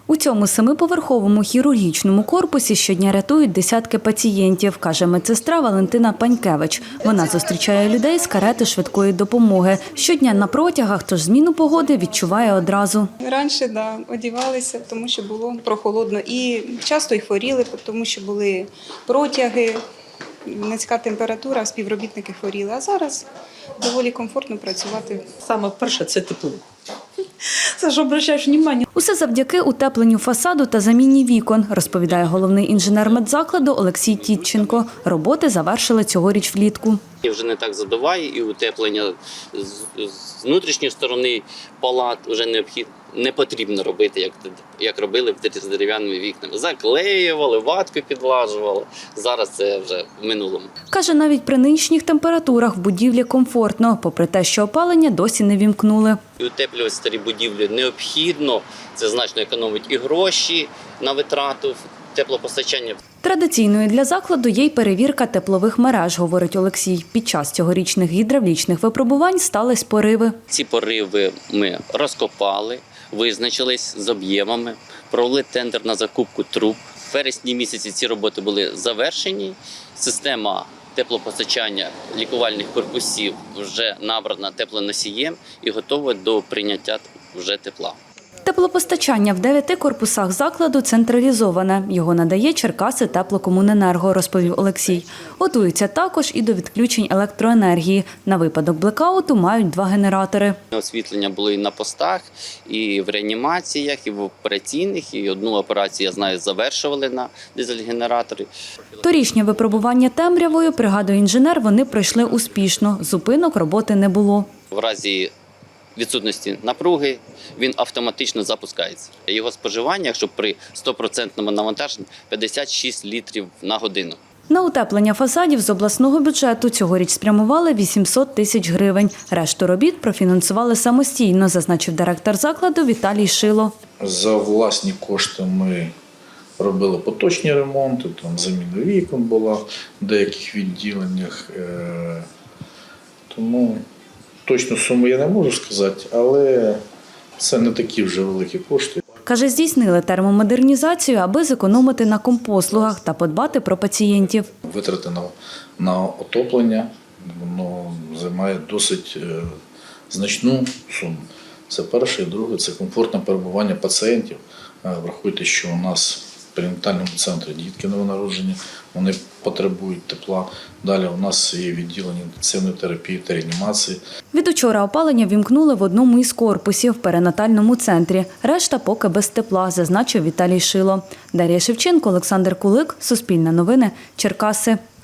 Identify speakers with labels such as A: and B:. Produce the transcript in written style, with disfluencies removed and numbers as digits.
A: У цьому 7-поверховому хірургічному корпусі щодня рятують десятки пацієнтів, каже медсестра Валентина Панькевич. Вона зустрічає людей з карети швидкої допомоги. Щодня на протягах, тож зміну погоди відчуває одразу.
B: Раніше, одягалися, тому що було прохолодно. І часто й хворіли, тому що були протяги, низька температура, співробітники хворіли. А зараз доволі комфортно працювати.
C: Саме перше – це тепло. Це ж обращаєш увагу.
A: Усе завдяки утепленню фасаду та заміні вікон, розповідає головний інженер медзакладу Олексій Тітченко. Роботи завершили цьогоріч влітку.
D: І вже не так задуває, і утеплення з внутрішньої палат вже не потрібно робити, як робили з дерев'яними вікнами. Заклеювали, ваткою підлажували. Зараз це вже в минулому.
A: Каже, навіть при нинішніх температурах в будівлі комфортно, попри те, що опалення досі не вімкнули.
D: І утеплювати старі будівлі необхідно, це значно економить і гроші на витрату теплопостачання.
A: Традиційною для закладу є й перевірка теплових мереж, говорить Олексій. Під час цьогорічних гідравлічних випробувань стались пориви.
D: Ці пориви ми розкопали, визначились з об'ємами, провели тендер на закупку труб. В вересні місяці ці роботи були завершені. Система теплопостачання лікувальних корпусів вже набрана теплоносієм і готова до прийняття вже тепла.
A: Теплопостачання в 9 корпусах закладу централізоване. Його надає Черкаси Теплокомуненерго, розповів Олексій. Готуються також і до відключень електроенергії. На випадок блекауту мають 2 генератори.
D: Освітлення було і на постах, і в реанімаціях, і в операційних. І одну операцію, я знаю, завершували на дизель-генераторі.
A: Торішнє випробування темрявою, пригадує інженер, вони пройшли успішно. Зупинок роботи не було.
D: В разі відсутності напруги він автоматично запускається. Його споживання, якщо при 100% навантаженні, 56 літрів на годину.
A: На утеплення фасадів з обласного бюджету цьогоріч спрямували 800 тисяч гривень. Решту робіт профінансували самостійно, зазначив директор закладу Віталій Шило.
E: За власні кошти ми робили поточні ремонти, там заміна вікон була в деяких відділеннях. Тому точну суму я не можу сказати, але це не такі вже великі кошти.
A: Каже, здійснили термомодернізацію, аби зекономити на компослугах та подбати про пацієнтів.
E: Витрати на отоплення воно займає досить значну суму. Це перше. І друге – це комфортне перебування пацієнтів. Врахуйте, що у нас в перинатальному центрі дітки новонароджені, вони потребують тепла. Далі у нас є відділення інтенсивної терапії та реанімації.
A: Від учора опалення вімкнули в одному із корпусів в перинатальному центрі. Решта поки без тепла, зазначив Віталій Шило. Дар'я Шевченко, Олександр Кулик, Суспільне новини, Черкаси.